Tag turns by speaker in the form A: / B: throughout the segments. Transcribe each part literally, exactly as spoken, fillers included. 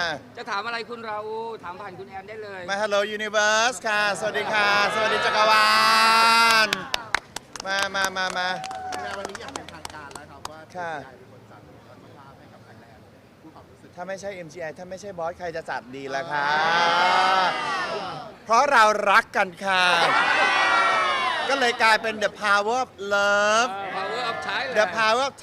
A: จะถามอะไรคุณราอูถามผ่านคุณแอนได้เลย
B: มา Hello Universe ค่ะ สวัสดีค่ะ สวัสดีจักรวาลมามามามา
C: วันนี้อยากเป็นทางการแล้วครับว่า
B: ค่ะ
C: เป็นคนจัดวันภาพให้กับไทยแลนด์ผู้ความรู้สึก
B: ถ้าไม่ใช่ เอ็ม จี ไอ ถ้าไม่ใช่บอสใครจะจัดดีล่ะคะเพราะเรารักกันค่ะ ก็เลยกลายเป็น The Power of Love
A: Power of Thailand
B: The Power of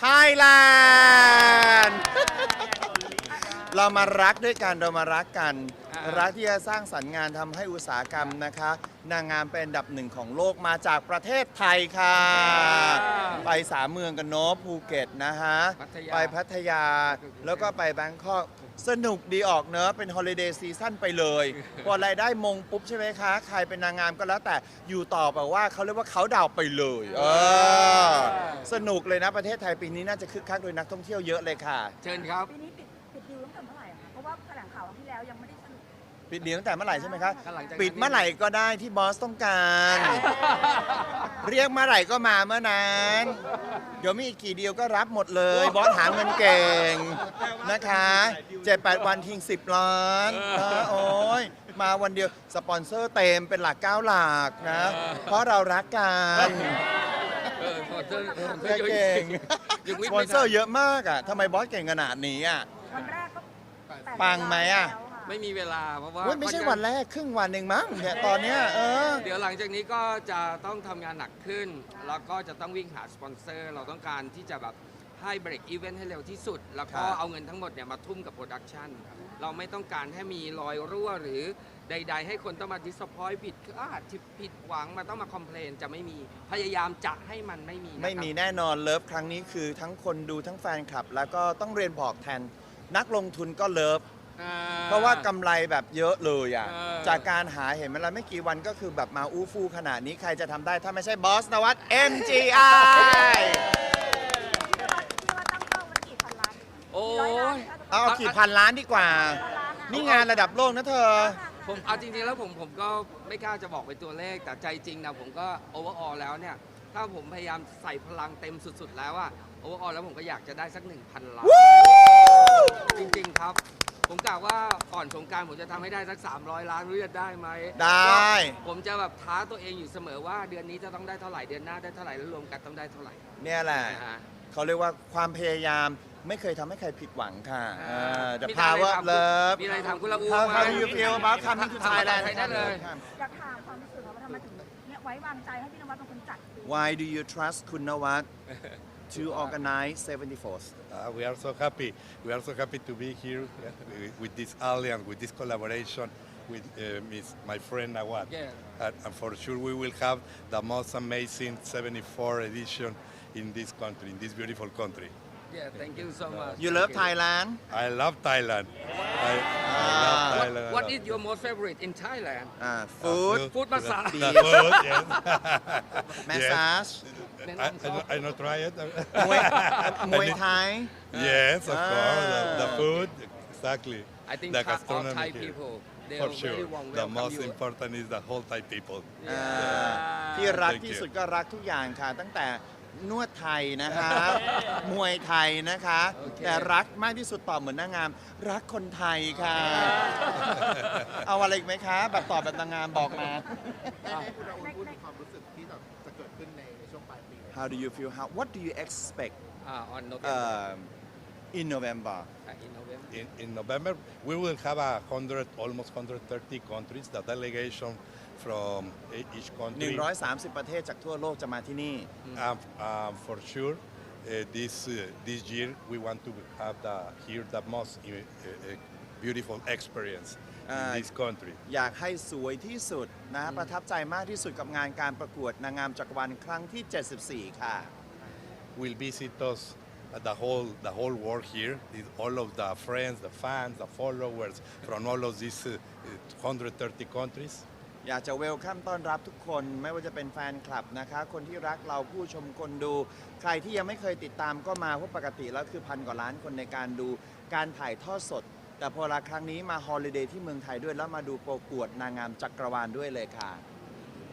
B: Thailand เรามารักด้วยกันเรามารักกัน รักที่จะสร้างสรรค์งานทำให้อุตสาหกรรมนะคะ นางงามเป็นอันดับหนึ่งของโลกมาจากประเทศไทยค่ะ ไปสามเมืองกันเนาะภูเก็ตนะฮะ ไปพัทยาแล้วก็ไปแบงคอกสนุกดีออกเนอะเป็นฮอลิเดย์ซีซั่นไปเลย พอรายได้มงปุ๊บใช่ไหมคะ ใครเป็นนางงามก็แล้วแต่อยู่ต่อแบบว่าเขาเรียกว่าเขาดาวไปเลยเออสนุกเลยนะประเทศไทยปีนี้น่าจะคึกคักโดยนักท่องเที่ยวเยอะเลยค่ะ
A: เชิญครับ
D: ปีนี้ปิดปิดดิวตั้งแต่เมื่อไหร่อะคะเพราะว่าแถลงข่าวครั้งที่แล้วยังไม่ได้สรุป
B: ปิดดีตั้งแต่เมื่อไหร่ใช่ไหมคะ
A: หลังจากนั้น
B: ปิดเมื่อไหร่ก็ได้ที่บอสต้องการ เรียกเมื่อไหร่ก็มาเมื่อนั้นเดี๋ยวมีอีกกี่เดียวก็รับหมดเลย บอสหาเงินเก่งนะคะเจ็ดแปดวันทิ้งสิบล้านนะโอ้ยมาวันเดียวสปอนเซอร์เต็มเป็นหลักเก้าหลักนะ เพราะเรารักกัน
A: เออขอเชิญขอ
B: เพื่
A: เชิ
B: อ
A: ญ
B: เก่ง
A: ยังไม่
B: สปอนเซอร์เยอะมากอ่ะทำไมบอสเก่งขนาดนี้อ่ะ
D: วันแรกก็แปด
B: ปังไหมอะ
D: แล้วค่
A: ไม่มีเวลาเพราะว่า
B: เว้ยไม่ใช่วันแรกครึ่งวันเองมั้งเนี่ยตอนเนี้ยเออ
A: เดี๋ยวหลังจากนี้ก็จะต้องทำงานหนักขึ้น แล้วก็จะต้องวิ่งหาสปอนเซอร์ เราต้องการที่จะแบบให้เบรกอีเวนต์ให้เร็วที่สุด แล้วก็
B: ครับ
A: เอาเงินทั้งหมดเนี่ยมาทุ่มกับโปรดักชันเราไม่ต้องการให้มีรอยรั่วหรือใด ๆ ให้คนต้องมาดิสพอยผิดอาจผิดหวังมาต้องมาคอมเพลนจะไม่มีพยายามจะให้มันไม่มีนะครับ
B: ไม่มีแน่นอนเลิฟครั้งนี้คือทั้งคนดูทั้งแฟนคลับ แล้วก็ต้องเรียนบอกแทนนักลงทุนก็เลิฟ
A: อ่า
B: เพราะว่ากำไรแบบเยอะเลยอ่ะ
A: เออ
B: จากการหาเห็นไหมล่ะไม่กี่วันก็คือแบบมาอู้ฟู่ขนาดนี้ใครจะทำได้ถ้าไม่ใช่บอสนวัต เอ็ม จี ไอ
D: ที่ว่าที่ว่าตั้งเป้าไว้กี่พันล้าน
A: โอ้
D: กี่ร้อยล้าน
A: ย
B: เอาเอากี่พันล้านดีกว่า
D: พันล้านอะ
B: นี่งานระดับโลกนะเธอ
A: ผมเอาจริงๆแล้วผมผมก็ไม่กล้าจะบอกเป็นตัวเลข แต่ใจจริงนะผมก็โอเวอร์ออลแล้วเนี่ย ถ้าผมพยายามใส่พลังเต็มสุดๆแล้วอะโอเวอร์ออลแล้วผมก็อยากจะได้สัก หนึ่งพัน ล้าน จริงๆครับ ผมกล่าวว่าก่อนสงกรารผมจะทำให้ได้สัก สามร้อย ล้านรู้จะได้ไหม
B: ได้
A: ผมจะแบบท้าตัวเองอยู่เสมอว่าเดือนนี้จะต้องได้เท่าไหร่เดือนหน้าได้เท่าไหร่แล้วรวมกันต้องได้เท่าไหร่
B: เนี่ยแหละ
A: นะฮะ
B: เขาเรียกว่าความพยายามไม่เคยทำให้ใครผิดหวังค่ะเออ The
A: มี
B: power
A: อะไร
B: of
A: ถาม
B: love
A: มีอะไรถามคุณละอู
B: How
A: ไหม
B: how do you feel about coming to
A: ถาม
B: Thailand
A: ภาษาไทยได้เลย
D: อยากถามความรู้สึกว่าทำไมถึงเนี่ยไว้วางใจให้พี่นวัดเป็นคนจัด
B: Why do you trust คุณนวัด to organize seventy-fourth
E: Uh, we are so happy. We are so happy to be here uh, with this alliance, with this collaboration with uh, Miss, my friend Nawad.
A: Yeah.
E: And, and for sure, we will have the most amazing seventy-four edition in this country, in this beautiful country.
A: Yeah thank you so much
B: You love Thailand
E: I love Thailand. I, I love
A: What,
E: Thailand.
A: what is your most favorite in Thailand
B: อ่า food
E: The
A: Food massage.
E: The, the food, yes.
B: massage
E: Yes. I, I, don't- I not try it.
B: มวยมวยไทย
E: Yes, of course. The, the
B: Ah.
E: food, exactly.
A: I think
E: the
A: Thai- all
E: gastronomy
A: Thai
E: here.
A: people they
E: For
A: are
E: sure.
A: very warm
E: The
A: welcome
E: most
A: you
E: important is the whole Thai people.
B: อ่าที่รัก
E: Thank
B: ที่
E: you.
B: สุดก็รักทุกอย่างค่ะ ตั้งแต่นวดไทยนะคะ มวยไทยนะคะ
A: โอเค
B: แต่รักมากที่สุดตอบเหมือนนางงาม รักคนไทยค่ะ เอาอะไรอีกไหมคะ แบบตอบแบบนางงามบอกมา
C: ให้คุณอาอุ่นพูดถึงความรู้สึกที่แบบจะเกิดขึ้นในในช่วงปลายปีนี้
B: How do you feel how what do you expect
A: อ่า on November
B: um, in November
A: uh, in November
E: In, in November, we will have a hundred, almost one hundred thirty countries. The delegation from e- each
B: หนึ่ง
E: country.
B: ร้อยสามสิบ ประเทศจากทั่วโลกจะมาที่นี่
E: Um, um, for sure, uh, this uh, this year we want to have the here the most uh, uh, beautiful experience
B: Ah.
E: in this country.
B: อยากให้สวยที่สุดนะ ประทับใจมากที่สุดกับงานการประกวดนางงามจักรวาลครั้งที่ เจ็ดสิบสี่ ค่ะ
E: Will visit us uh, the whole the whole world here. Is all of the friends, the fans, the followers from all of these uh, uh, one hundred thirty countries.
B: อยากจะเวลคัมต้อนรับทุกคนไม่ว่าจะเป็นแฟนคลับนะคะ คนที่รักเราผู้ชมคนดู ใครที่ยังไม่เคยติดตามก็มาเพราะปกติแล้วคือพันกว่าล้านคนในการดูการถ่ายทอดสด แต่พอละครั้งนี้มาฮอลิเดย์ที่เมืองไทยด้วยแล้วมาดูประกวดนางงามจักรวาลด้วยเลยค่ะ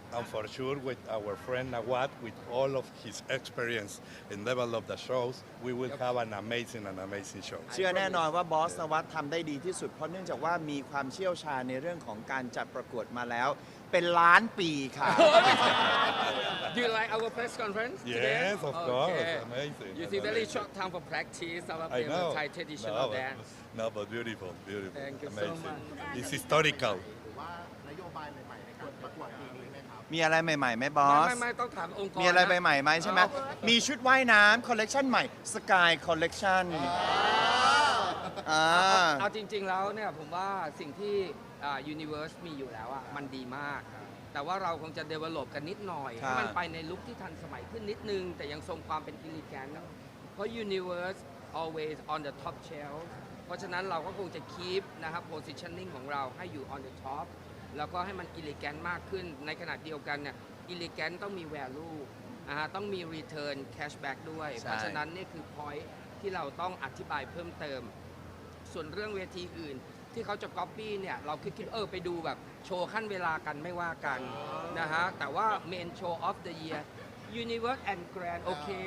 E: and for sure with our friend Nawat, with all of his experience and level of the shows, we will
A: Yep.
E: have an amazing and amazing show.
B: เชื่อแน่นอนว่าบอสนวัตทำได้ดีที่สุดเพราะเนื่องจากว่ามีความเชี่ยวชาญในเรื่องของการจัดประกวดมาแล้ว เป็นล้านปีค่ะ
A: Do you like our press conference today?
E: Yes, of course.
A: Okay.
E: Amazing.
A: You see, very short time for practice about
E: I
A: the
E: know.
A: Thai traditional
E: No, but-
A: dance.
E: no, but beautiful, beautiful.
A: Thank you so
E: Amazing.
A: much.
E: It's historical.
C: หรือว่านโยบายใหม่ๆในการประกวดปีนี้ไหมครับ
B: มีอะไรใหม่ๆไหมบอ
A: ไม่
B: ส
A: ไม่ไม่ต้องถามองค์กร
B: มีอะไร
A: น
B: ใหม่ๆไหมใช่ไหม มีชุดว่ายน้ำคอลเลกชันใหม่ Sky Collection อ่า
A: เอาจริง ๆ แล้วเนี่ยผมว่าสิ่งที่อ่า Universe มีอยู่แล้วอ่ะมันดีมาก แต่ว่าเราคงจะ develop กันนิดหน่อย
B: ครับ
A: ให้มันไปในลุคที่ทันสมัยขึ้นนิดนึง แต่ยังทรงความเป็นอิลิแกนเพราะ Universe always on the top shelf เพราะฉะนั้นเราก็คงจะ keep นะครับ positioning ของเราให้อยู่ on the top แล้วก็ให้มันอิลิแกนมากขึ้น ในขณะเดียวกันเนี่ยอิลิแกนต้องมี value อ่าต้องมี return cashback ด้วย
B: ใช่
A: เพราะฉะนั้นนี่คือ point ที่เราต้องอธิบายเพิ่มเติม ส่วนเรื่องเวทีอื่นที่เขาจะ copy เนี่ยเราคิดคิดเออไปดูแบบโชว์ขั้นเวลากันไม่ว่ากันนะฮะ แต่ว่า main show of the year Universe and Grand โอเค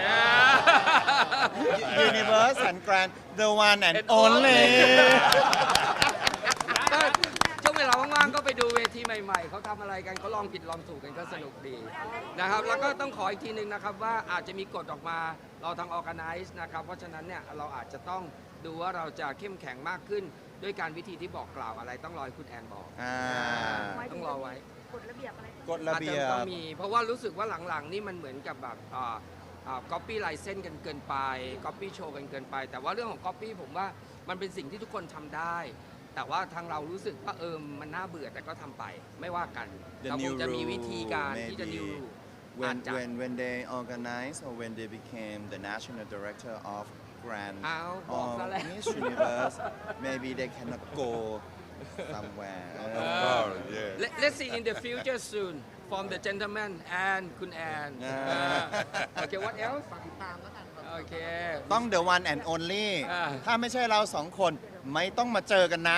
B: Universe and Grand the one and
A: And
B: only
A: only ก็ช่วงเวลาว่างๆก็ไปดูเวทีใหม่ๆ เขาทำอะไรกันเขาลองผิดลองถูกกันก็สนุกดีนะครับ แล้วก็ต้องขออีกทีหนึ่งนะครับว่าอาจจะมีกฎออกมาเราทาง organize นะครับ เพราะฉะนั้นเนี่ยเราอาจจะต้องดูว่าเราจะเข้มแข็งมากขึ้น ด้วยการวิธีที่บอกกล่าวอะไรต้องรอให้คุณแอนบอก
B: อ่า
A: ต้องรอไว้
D: กฎระเบียบอะไร
B: กฎระเบีย
A: อาจจะต้อง
B: บ
A: มี เพราะว่ารู้สึกว่าหลังๆ นี่มันเหมือนกับแบบอ่าอ่า copy license กันเกินไป copy show กันเกินไป แต่ว่าเรื่องของ copy ผมว่ามันเป็นสิ่งที่ทุกคนทำได้ แต่ว่าทางเรารู้สึกว่าเออมันน่าเบื่อแต่ก็ทำไปไม่ว่ากัน
B: The
A: เราคง
B: new
A: จะมีวิธีการที่จะ
B: rule
A: new
B: maybe
A: rule อา
B: when
A: จจะ
B: when when they organized or when they became the national director of Grand
A: อ้าวบอก
B: of
A: ซะแล้ว
B: Miss Universe maybe they cannot go somewhere
E: Of course, yeah.
A: Let, let's see in the future soon from the gentleman and คุณแอน
B: อ่า
A: โอเค what else
C: ฝากติดตามแล้วกันครับ
A: โอเค
B: ต้อง the one and only
A: อ่า
B: ถ้าไม่ใช่เราสองคนไม่ต้องมาเจอกันนะ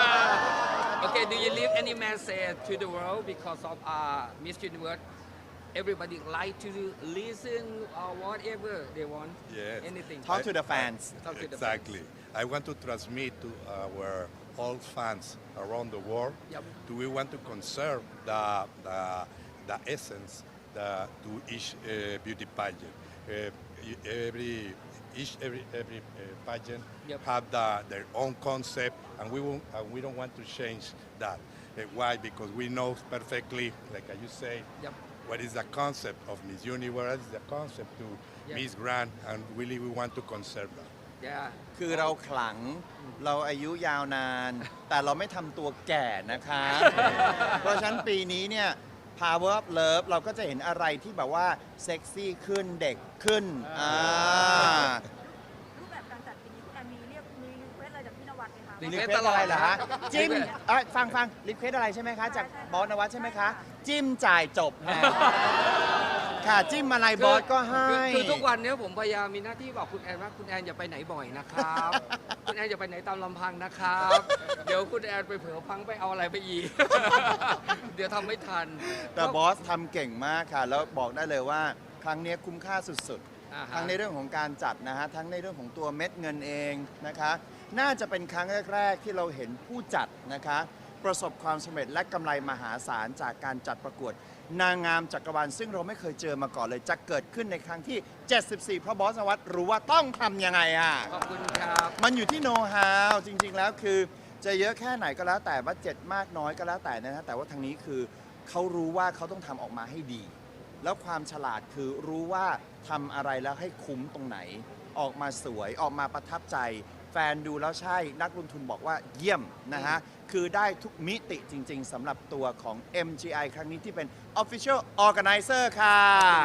A: Okay, do you leave any message to the world because of uh, Miss Universe? Everybody like to listen or whatever they want.
E: Yes.
A: Anything.
B: Talk to the fans
A: Talk to the
E: Exactly. I want to transmit to our all fans around the world.
A: Yep.
E: Do we want to conserve the the, the essence the, to each uh, beauty pageant? Uh, e- every each every every uh, pageant
A: Yep.
E: have the, their own concept, and we won't, and we don't want to change that. Uh, why? Because we know perfectly, like you say,
A: Yep.
E: what is the concept of Miss Universe, what is the concept to
A: Yep.
E: Miss Grand, and really we want to conserve that.
A: Yeah.
B: คือเราขลังเราอายุยาวนาน แต่เราไม่ทำตัวแก่นะคะ เพราะฉะนั้นปีนี้เนี่ย Power of Love เราก็จะเห็นอะไรที่แบบว่าเซ็กซี่ขึ้นเด็กขึ้นอ่า
D: รูปแบบการจัดปีนี้คุณแอนมีเรียกมีรีเควสอะไรจากพี่นวัดไหมคะ
A: รี
B: รี
A: เคว
B: เคว
A: ส
B: สอะไรเหรอฮะ จิ้ม
A: รีเควส
B: เอ้ยฟังฟังรีเควสอะไรใช่ไหมคะ จาก
D: ใช่ใช่
B: บอสนวัตใช่ไหมคะ จิ้มจ่ายจบค่ะค่ะจิ้มอะไรบอสก็ให้
A: คือคือทุกวันเนี้ยผมพยายามมีหน้าที่บอกคุณแอนว่าคุณแอนอย่าไปไหนบ่อยนะครับ คุณแอนอย่าไปไหนตามลำพังนะครับ เดี๋ยวคุณแอนไปเผลอพังไปเอาอะไรไปอีก เดี๋ยวทำไม่ทัน
B: แต่บอสทำเก่งมากค่ะ แล้วบอกได้เลยว่าครั้งนี้คุ้มค่าสุด
A: อ่า
B: ๆ
A: ฮะ
B: ทั้งในเรื่องของการจัดนะฮะ ทั้งในเรื่องของตัวเม็ดเงินเองนะคะ น่าจะเป็นครั้งแรก ๆ ที่เราเห็นผู้จัดนะคะ ประสบความสำเร็จและกำไรมหาศาลจากการจัดประกวด นางงามจักรวาลซึ่งเราไม่เคยเจอมาก่อนเลย จะเกิดขึ้นในครั้งที่ เจ็ดสิบสี่ เพราะบอสนวัตรู้ว่าต้องทำยังไงอ่ะ
A: ขอบคุณครับ
B: มันอยู่ที่โน้ตฮาวจริง ๆ แล้วคือจะเยอะแค่ไหนก็แล้วแต่บัดเจ็ตมากน้อยก็แล้วแต่นะฮะแต่ว่าทางนี้คือเขารู้ว่าเขาต้องทำออกมาให้ดี แล้วความฉลาดคือรู้ว่าทำอะไรแล้วให้คุ้มตรงไหน ออกมาสวยออกมาประทับใจ แฟนดูแล้วใช่นักลงทุนบอกว่าเยี่ยมนะฮะ คือได้ทุกมิติจริง ๆสำหรับตัวของ เอ็ม จี ไอ ครั้งนี้ที่เป็น Official Organizer ค่ะ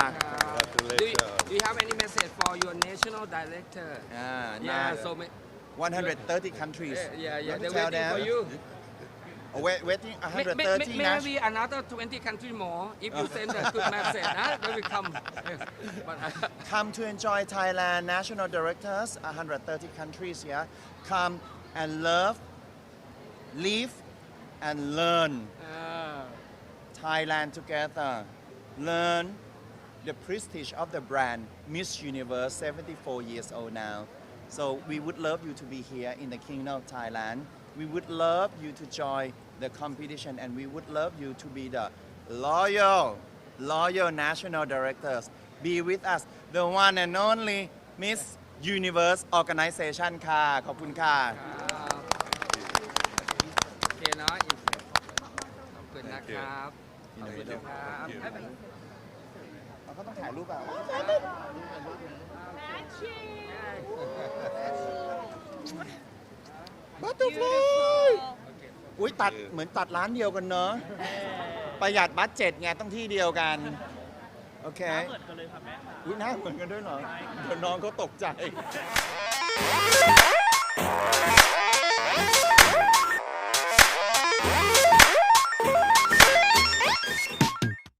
A: Do you, do you have any message for your national director?
B: อ่า
A: Yeah,
B: น่า
A: so ma-
B: one hundred thirty countries
A: yeah, yeah, yeah.
B: Let me
A: They're
B: tell
A: waiting for
B: them.
A: you.
B: Oh, wait, waiting
A: May-
B: one hundred
A: may-
B: thirty
A: may-
B: national
A: Maybe another twenty countries more if you send a good message. Huh? They will come. Yes. But, uh,
B: Come to enjoy Thailand national directors, one hundred thirty countries here. Come and love, live, and learn
A: uh,
B: Thailand together learn the prestige of the brand Miss Universe seventy-four years old now so we would love you to be here in the Kingdom of Thailand we would love you to join the competition and we would love you to be the loyal loyal national directors be with us the one and only Miss Universe Organization ค่ะขอบคุณค่ะ
A: ครับโอเคเนาะขอบคุณนะครับ ขอบคุณครับไม่เป็นไร
B: เราก็ต้องถ่ายรูปอ่ะ Butterfly อุ้ยตัดเหมือนตัดร้านเดียวกันเนอะประหยัดบัตเจ็ตไงต้องที่เดียวกัน โอเคเหมือนกันเลยค่ะแม่อุ้ยหน้าเหมือนกันด้วยเหรอเดี๋ยวน้องเขาตกใจ